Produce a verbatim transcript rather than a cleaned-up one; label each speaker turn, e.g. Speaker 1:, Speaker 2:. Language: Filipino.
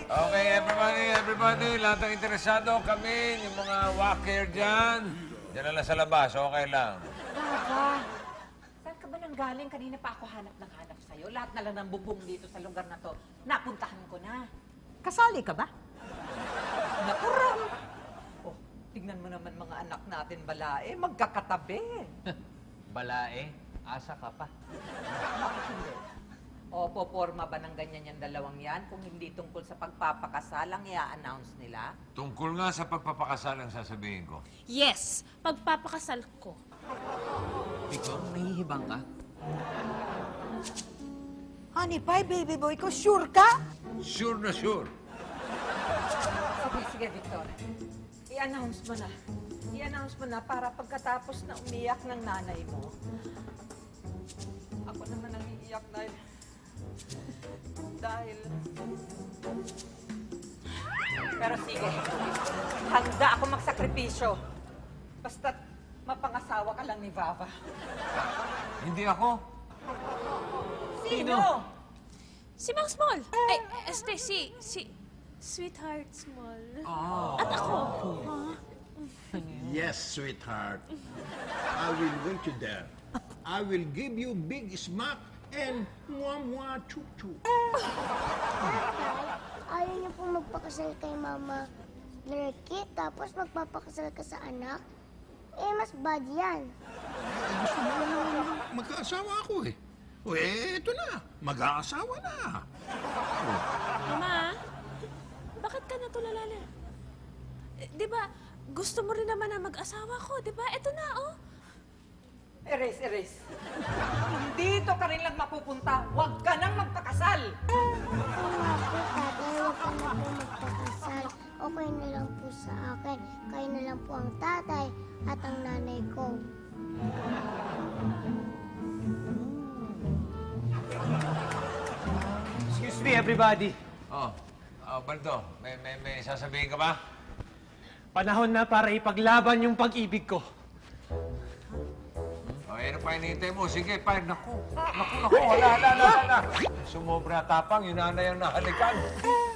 Speaker 1: Okay, everybody, everybody, lahat ng interesado kami, yung mga walker dyan, dyan na lang sa labas, okay lang.
Speaker 2: Baba, saan ka ba nang galing? Kanina pa ako hanap ng hanap sa'yo. Lahat na lang ng bubong dito sa lugar na to. Napuntahan ko na.
Speaker 3: Kasali ka ba?
Speaker 2: Nakuram! Oh, tignan mo naman mga anak natin, balae. Magkakatabi.
Speaker 4: Balae, asa ka pa.
Speaker 2: Bakit hindi? O, poporma ba ng ganyan yung dalawang yan kung hindi tungkol sa pagpapakasal ang i-announce nila?
Speaker 1: Tungkol nga sa pagpapakasal ang sasabihin ko.
Speaker 5: Yes, pagpapakasal ko.
Speaker 4: Ikaw, nahihibang ka?
Speaker 3: Honey pie, baby boy ko, sure ka?
Speaker 1: Sure na sure.
Speaker 2: Sige, sige, Victor. I-announce mo na. I-announce mo na para pagkatapos na umiyak ng nanay mo, ako naman ang iiyak dahil... dahil... Pero sige, handa ako magsakripisyo. Basta't mapangasawa ka lang ni Vava.
Speaker 1: Hindi ako.
Speaker 2: Sino?
Speaker 5: Si Mang Small. Ay, este, si, si... Sweetheart Small. At ako.
Speaker 6: Yes, sweetheart. I will wait you there. I will give you big smack and mwah mwah chuk chuk.
Speaker 7: Tatay, ayaw niyo pong magpakasal kay Mama Lurky, tapos magpapakasal ka sa anak? Eh, mas bad yan.
Speaker 6: Eh, gusto mo lang naman mag-aasawa ako eh. O eh, eto na. Mag-aasawa na.
Speaker 5: Mama, bakit ka natulala na? Eh, di ba, gusto mo rin naman na mag-asawa ko, di ba? Eto na, oh.
Speaker 2: Erase, erase. Kung dito ka rin lang mapupunta, huwag ka nang magpakasal.
Speaker 7: Oo nga po, tatay, huwag ka na po magpakasal. Okay na lang po sa akin. Kayo na lang po ang tatay at ang nanay ko.
Speaker 4: Excuse me, everybody.
Speaker 1: Oh, oh Baldo, may, may, may sasabihin ka ba?
Speaker 4: Panahon na para ipaglaban yung pag-ibig ko.
Speaker 1: Oh, ano pa hinihintay mo? Sige, pa. Naku, naku, naku, wala, wala, wala, wala. Sumobra tapang, yung nanay ang nahalikan.